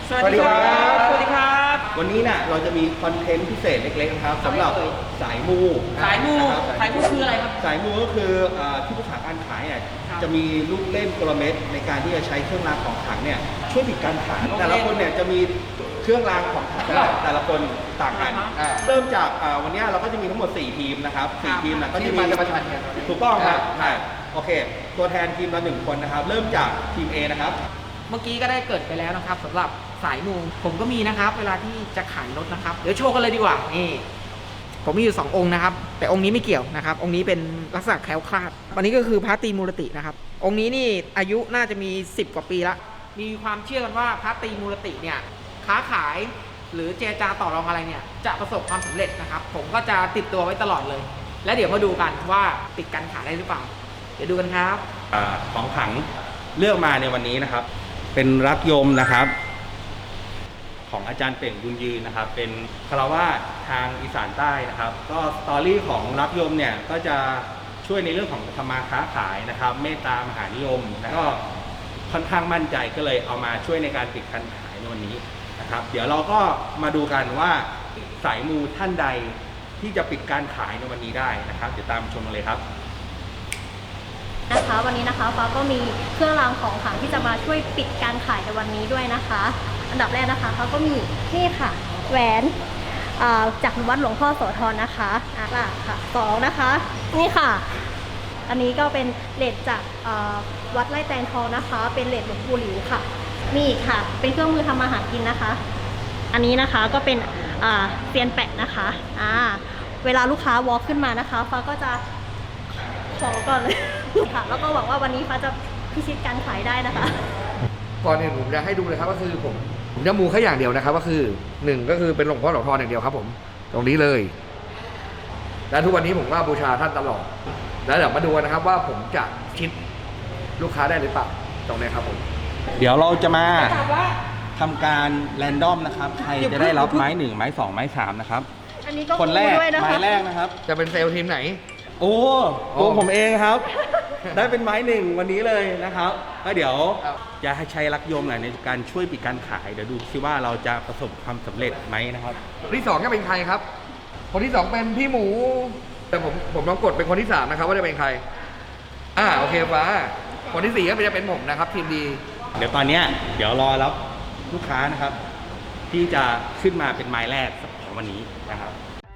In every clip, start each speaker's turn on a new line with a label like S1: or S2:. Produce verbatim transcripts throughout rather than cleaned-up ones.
S1: สวัสดีครับสวัสดีครับ
S2: วันนี้น่ะเราจะมีคอนเทนต์พิเศษเล็กๆนะครับสำหรับสายมู
S1: สายมูสายมูคืออะไรครับ
S2: สายมูก็คือที่ปรึกษาการขายเนี่ยจะมีลูกเล่นกลเม็ดในการที่จะใช้เครื่องรางของขลังเนี่ยช่วยปิดการขายแต่ละคนเนี่ยจะมีเครื่องรางของขลังแต่ละคนต่างกันเริ่มจากวันนี้เราก็จะมีทั้งหมดสี่ทีมนะครับสี่ทีมนะก็จะมี
S3: ประชันกัน
S2: ถูกต้องครับโอเคตัวแทนทีมละหนึ่งคนนะครับเริ่มจากทีม A นะครับ
S1: เมื่อกี้ก็ได้เกิดไปแล้วนะครับสำหรับสายมูผมก็มีนะครับเวลาที่จะขายรถนะครับเดี๋ยวโชว์กันเลยดีกว่านี่ผมมีอยู่สององค์นะครับแต่องค์นี้ไม่เกี่ยวนะครับองค์นี้เป็นลักษณะแคล้วคลาดวันนี้ก็คือพระตรีมูรตินะครับองค์นี้นี่อายุน่าจะมีสิบกว่าปีละมีความเชื่อกันว่าพระตรีมูรติเนี่ยค้าขายหรือเจรจาต่อรองอะไรเนี่ยจะประสบความสำเร็จนะครับผมก็จะติดตัวไว้ตลอดเลยและเดี๋ยวมาดูกันว่าปิดการขายได้หรือเปล่าเดี๋ยวดูกันครับ
S2: ของขลังเลือกมาในวันนี้นะครับเป็นรักยมนะครับของอาจารย์เป่งบุญยืนนะครับเป็นคารวาสทางอีสานใต้นะครับก็สตอรี่ของรักยมเนี่ยก็จะช่วยในเรื่องของธรรมาค้าขายนะครับเมตตามหานิยมแล้วก็ค่อนข้างมั่นใจก็เลยเอามาช่วยในการปิดการขายในวันนี้นะครับเดี๋ยวเราก็มาดูกันว่าสายมูท่านใดที่จะปิดการขายในวันนี้ได้นะครับเดี๋ยวตามชมกันเลยครับ
S4: นะคะวันนี้นะคะฟ้าก็มีเครื่องรางของขลังที่จะมาช่วยปิดการขายในวันนี้ด้วยนะคะอันดับแรกนะคะเขาก็มีนี่ค่ะแหวนจากวัดหลวงพ่อโสธรนะคะอ่ะค่ะสองนะคะนี่ค่ะอันนี้ก็เป็นเหรียญจากวัดไร่แตงทองนะคะเป็นเหรียญหลวงปู่หลิวค่ะมีอีกค่ะเป็นเครื่องมือทำมาหากินนะคะอันนี้นะคะก็เป็นเซียนแปะนะคะอ่าเวลาลูกค้าวอล์กขึ้นมานะคะฟ้าก็จะขอก่อนเลยค่ะแล้วก็หวังว่าวันนี้ฟ้าจะพิชิตการขายได้นะคะ
S3: ก่อนอื่นผมจะให้ดูเลยครับก็คือผมผมจะมูแค่อย่างเดียวนะครับก็คือหนึ่งก็คือเป็นหลวงพ่อหลวงพ่ออย่างเดียวครับผมตรงนี้เลยและทุกวันนี้ผมก็บูชาท่านตลอดแล้วเดี๋ยวมาดูนะครับว่าผมจะชิดลูกค้าได้หรือเปล่าตรงนี้ครับผม
S2: เดี๋ยวเราจะมาทำการแรนดอมนะครับใครจะได้รับไม้หนึ่งไม้สองไม้สามนะครับคนแรกไม้แรกนะครับ
S3: จะเป็นเซลล์ทีมไหน
S2: โอ้ตัวผมเองครับ ได้เป็นไม้หนึ่งวันนี้เลยนะครับก็เดี๋ยวจะให้ใช้รักยมหน่อยในการช่วยปิดการขายเดี๋ยวดูซิว่าเราจะประสบความสำเร็จไหมนะครับ
S3: คนที่สองจะเป็นใครครับคนที่สองเป็นพี่หมูแต่ผมผมลองกดเป็นคนที่สามนะครับว่าจะเป็นใครอ่าโอเคฟ้าคนที่สี่ก็จะเป็นผมนะครับทีมดี
S2: เดี๋ยวตอนนี้เดี๋ยวรอรับลูกค้านะครับที่จะขึ้นมาเป็นไม้แรกของวันนี้นะครับ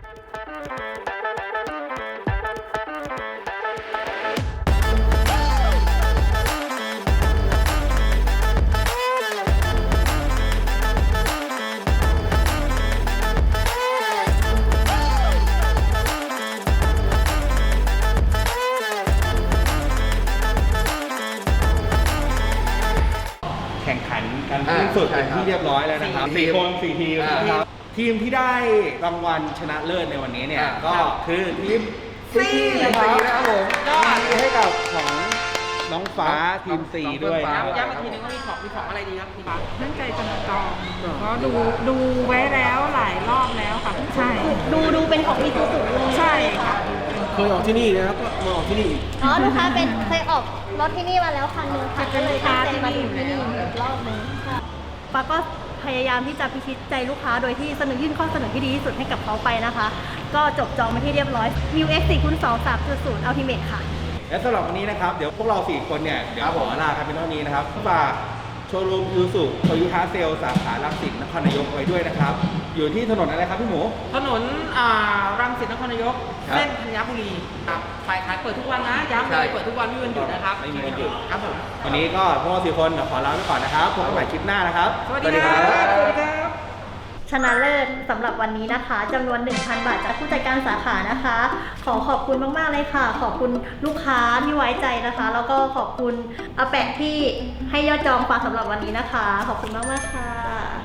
S2: แข่งขันกันที่สุดเป็นที่เรียบร้อยแล้วนะครับสี่คนสี่ทีมนะครับทีมที่ได้รางวัลชนะเลิศในวันนี้เนี่ยก็คือทีมซีนะครับผมก็ให้กับของน้องฟ้าทีมซีด้วย
S1: ย้ำอีกทีนึงว่ามีของมีของอะไรดีครับพี่ฟ้า
S5: ตั้งใจจะมาจองเพราะดูดูไว้แล้วหลายรอบแล้วค่ะใช่
S4: ดูดูเป็นของมีตัวสูงเลย
S5: ใช่ค่ะ
S2: เคยออกที่นี่นะครับก็มาออกที่นี่
S4: อ๋อลูกค้าเป็นเคยออกรถที่นี่มาแล้วคันนึงค่ะก็เลยตั้งใจมาถึงที่นี่อีกรอบนึงค่ะฟ้าก็พยายามที่จะพิชิตใจลูกค้าโดยที่เสนอยื่นข้อเสนอที่ดีที่สุดให้กับเขาไปนะคะก็จบจองมาที่เรียบร้อย New X สี่คูณสอง สามจุดศูนย์ Ultimate ค่ะ
S2: และสำหรับวันนี้นะครับเดี๋ยวพวกเราสี่คนเนี่ยเดี๋ยวขอลากันเป็นเท่านี้นะครับฝากโชว์รูมยูสุโตโยต้าเซลสาขารังสิตนครนายกไว้ด้วยนะครับอยู่ที่ถนนอะไรครับพี่หมู
S1: ถนนรังสิตนครนายกเส้นธัญบุรีครับขายขายเปิดทุกวันนะย้ำเลยเปิดทุกวันไม่มีวันหยุดนะครับ
S2: ไม่มีวันหยุด
S1: ครับผม
S2: วันนี้ก็พวกเราสี่คนขอลาไปก่อนนะครับพบกันใหม่คลิปหน้านะครับ
S1: สวัสดีครับสวัสดีครับ
S4: ชนะเลิศสำหรับวันนี้นะคะจำนวน หนึ่งพัน บาทจากผู้จัดการสาขานะคะขอขอบคุณมากๆเลยค่ะขอบคุณลูกค้าที่ไว้ใจนะคะแล้วก็ขอบคุณอาแปะที่ให้ยอดจองฝากสำหรับวันนี้นะคะขอบคุณมากๆค่ะ